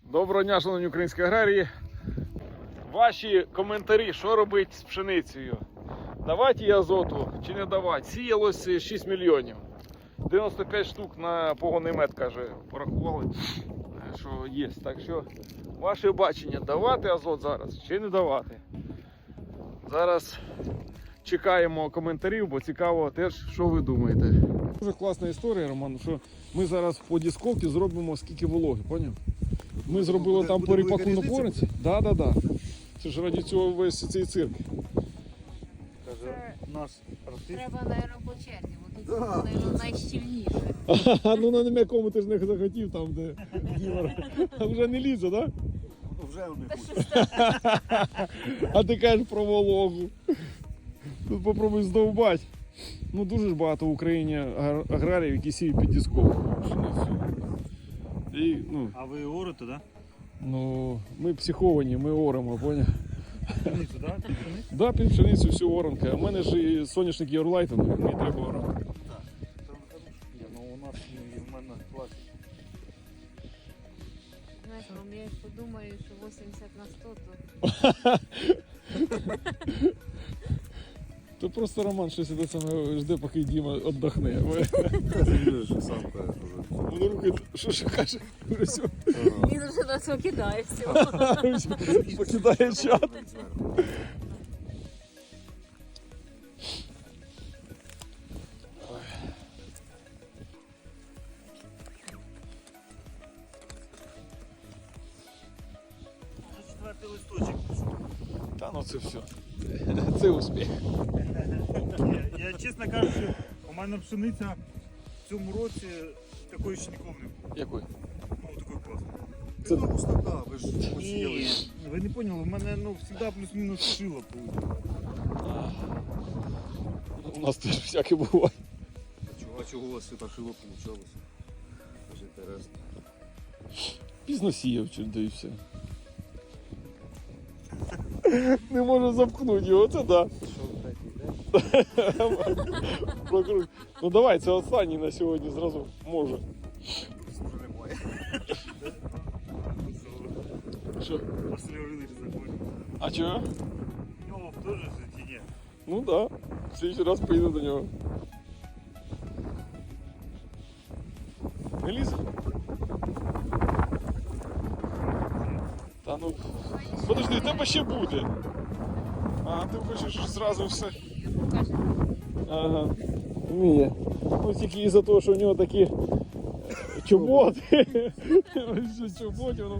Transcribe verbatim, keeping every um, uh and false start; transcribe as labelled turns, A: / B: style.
A: Доброго дня, шановні українські аграрії. Ваші коментарі, що робити з пшеницею? Давати їй азоту чи не давати? Сіялось шість мільйонів. дев'яносто п'ять штук на погонний мед, каже, порахували, що є. Так що, ваше бачення, давати азот зараз чи не давати? Зараз чекаємо коментарів, бо цікаво теж, що ви думаєте. Дуже класна історія, Роман, що ми зараз по дисковці зробимо скільки вологи, поняв? Ми зробили
B: буде,
A: там
B: буде
A: по ріпаку
B: велика
A: на
B: різниця?
A: пориці. Так, так, так. Це ж раді цього весь цей цирк.
B: Каже, наш артист.
C: Треба, мабуть, по черзі, бо тут,
B: Да.
C: мабуть, найщільніше.
A: Ну на м'якому ти ж не захотів там, де Ігор. А вже не лізе, так?
B: Ну, вже вони
C: Та
B: хочуть.
C: що ж там?
A: А ти кажеш про вологу. Тут попробуй здовбати. Ну дуже ж багато в Україні агр- аграріїв, які сіють під дисковку пшеницю. І, ну,
B: А ви орете, так?
A: ну, ми психовані, ми оремо, поняв?
B: Пшеницю, так? Пшеницю?
A: Да, під пшеницю всю оранка. А в мене ж і соняшник Євролайтен, мені треба оранка.
B: Ні, ну у нас і в мене класик.
C: Знаєш, Ром, я подумаю, що вісімдесят на сто, то
A: То просто Роман щось іде саме жде, поки Діма віддохне.
B: Ти сам кажеш уже.
A: Воно руки, що ж каже, все,
C: він вже на це кидає всього.
A: покидає чат.
B: Четвертий листочок.
A: Та ну це все. Це успіх.
B: Я, я чесно кажучи, у мене пшениця в цьому році такої ще ніколи не було.
A: Який?
B: Ну, такої класної.
A: Це
D: Ну, пустота, ви ж
B: Ні,
D: посіяли.
B: ви не поняли, у мене ну, завжди плюс-мінус шило буде.
A: У нас теж всяке буває.
D: А чого, а чого у вас все так шило получалось? Дуже інтересно.
A: Пізно сіяв, чи да і все. Не можу замкнути його, це да. Прокрут. Ну давай, це останній на сьогодні зразу може.
D: Вже немає.
A: Що?
B: Василь Вавилович законів.
A: А чого?
B: У нього теж в житті ні.
A: Ну да. В следующий раз поїду до нього. Не лізе? Та ну. Подожди, в тебе ще буде. А, ти хочеш зразу все.
C: Покажи.
A: Ага. Ні. Ну тільки із-за того, що у нього такі чоботи. Чоботи, воно